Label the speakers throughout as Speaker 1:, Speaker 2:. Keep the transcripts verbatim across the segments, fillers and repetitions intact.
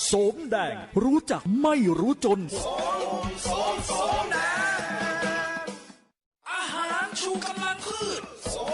Speaker 1: โสมแดงรู้จักไม่รู้จนอาหารชูกำลังพืช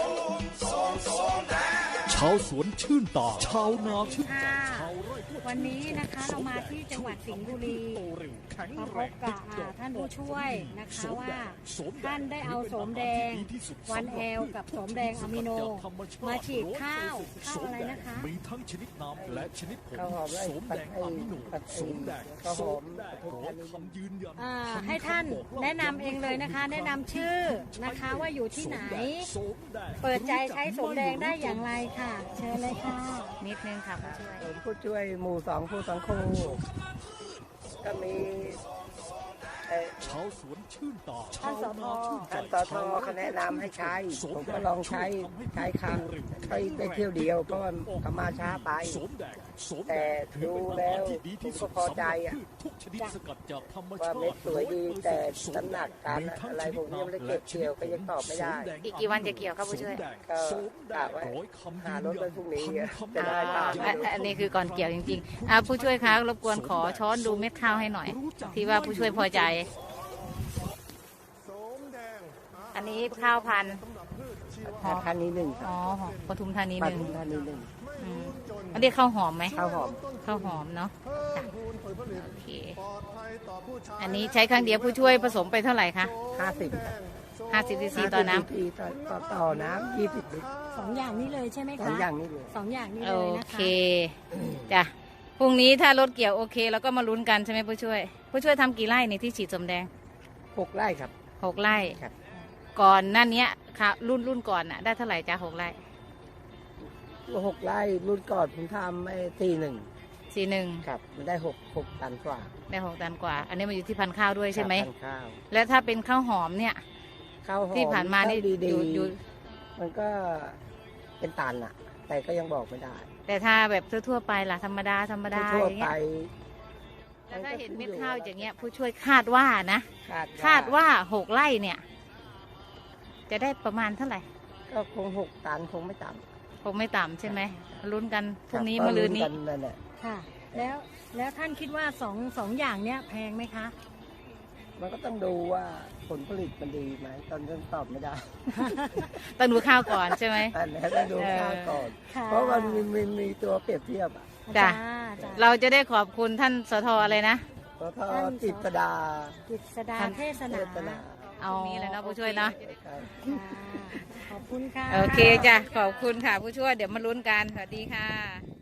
Speaker 1: ชาวสวนชื่นตาชาวนาชื่นใจ
Speaker 2: วันนี้นะคะเรามาที่จังหวัดสิงห์บุรีมาพบกับท่านผู้ช่วยนะคะว่าท่านได้เอาโสมแดงวันแอลกับโสมแดงอะมิโนมาฉีดข้าวข้าวอะไรนะคะ
Speaker 1: มีทั้งชนิดน้ำและชนิดผงโสมแดงอะมิโนโสมแดงโสมร้อยคำยืนยัน
Speaker 2: ให้ท่านแนะนำเองเลยนะคะแนะนำชื่อนะคะว่าอยู่ที่ไหนเปิดใจใช้โสมแดงได้อย่างไรค่ะเชิญเลยค่ะ
Speaker 3: นิดนึงค่ะผู้ช่วย
Speaker 4: ผู้ช่วยหมู่สองผู้สังคมก็มี
Speaker 1: ชาวสวนชื่นตา
Speaker 2: ท่านสท
Speaker 4: ท่านสทเขาแนะนำให้ใช้ผมก็ลองใช้ใช้ครั้งใช้ได้เที่ยวเดียวเพราะเขามาช้าไปแต่ดูแล้วผมก็พอใจอ่ะว่าเม็ดสวยดีแต่น้ำหนักการอะไรผมยังไม่ได้เก็บเกี่ยวก็ยังตอบไม่ได้
Speaker 3: อีกกี่วันจะเกี่ยวครับผู้ช่วย
Speaker 4: ก็กะไว้หารถไปพรุ่งนี้จะได้ตาม
Speaker 3: อันนี้คือก่อนเกี่ยวจริงๆอ่าผู้ช่วยคะรบกวนขอช้อนดูเม็ดข้าวให้หน่อยที่ว่าผู้ช่วยพอใจอันนี้ข้าวพันธุ์
Speaker 4: ธานีหนึ่ง
Speaker 3: อ๋อปทุมธานีหนึ่ง
Speaker 4: ปทุมธานีหนึ่ง
Speaker 3: อันนี้ข้าวหอมไหม
Speaker 4: ข้าวหอม
Speaker 3: ข้าวหอมเนาะโอเคอันนี้ใช้ครั้งเดียวผู้ช่วยผสมไปเท่าไหร่คะ
Speaker 4: ห้าสิบ
Speaker 3: ห้าสิบซีซีต่อน้
Speaker 4: ำต่อต่อน้ำยี่สิบลิตร
Speaker 2: สองอย่างนี้เลยใช่ไหมคะ
Speaker 4: สองอย่างนี้เลย
Speaker 2: สองอย่างนี้เลยนะคะ
Speaker 3: โอเคจ้ะพรุ่งนี้ถ้ารถเกี่ยวโอเคแล้วก็มาลุ้นกันใช่ไหมผู้ช่วยผู้ช่วยทำกี่ไร่ในที่ฉีดโสมแดง
Speaker 4: หกไร่ครับ
Speaker 3: หกไร่
Speaker 4: ครับ
Speaker 3: ก่อนหน้านี้ค่ะรุ่นรุ่นก่อนน่ะได้เท่าไหร่จ้าหกไร่
Speaker 4: หกไร่รุ่นก่อนผมทำไอ้สี่หนึ่ง
Speaker 3: สี่หนึ่ง
Speaker 4: ครับมันได้หกหกตันกว่า
Speaker 3: ได้หกตันกว่าอันนี้มันอยู่ที่พันธุ์ข้าวด้วยใช่ไหม
Speaker 4: พันธุ์ข้าว
Speaker 3: แล้วถ้าเป็นข้าวหอมเนี่ย
Speaker 4: ข้าวหอม
Speaker 3: ที่ผ่านมานี่
Speaker 4: ดีๆมันก็เป็นตันอะแต่ก็ยังบอกไม่ได้
Speaker 3: แต่ถ้าแบบทั่วๆไปล่ะธรรมดาธรรมดา
Speaker 4: ทั่วไป
Speaker 3: แล้วถ้าเห็นเม็ดข้าวอย่างเงี้ยผู้ช่วยคาดว่านะคาดว่าหกไร่เนี่ยจะได้ประมาณเท่าไหร่
Speaker 4: ก็คงหกตันคงไม่ต่
Speaker 3: ำคงไม่ต่ำใช่ไหมลุ้นกันพรุ่งนี้มะรืนนี้
Speaker 2: ค่ะแล้วแล้วท่านคิดว่าสองสองอย่างเนี้ยแพงไหมคะ
Speaker 4: มันก็ต้องดูว่าผลผลิตมันดีไหมตอนนี้ตอบไม่ได้
Speaker 3: ต้องดูข้าวก่อนใช่ไหไหม
Speaker 4: ต้องดูข้าวก่อนเพราะมันมีมีมีตัวเปรียบเทียบอ่ะ
Speaker 3: จ้ะเราจะได้ขอบคุณท่านสทอะไรนะ
Speaker 4: สทจิตดา
Speaker 2: จิตดาเทศนา
Speaker 3: เอานี้เลยนะผู้ช่วยนะ
Speaker 2: ขอบคุณค่ะ
Speaker 3: โอเคจ้ะขอบคุณค่ะผู้ช่วยเดี๋ยวมาลุ้นกันสวัสดีค่ะ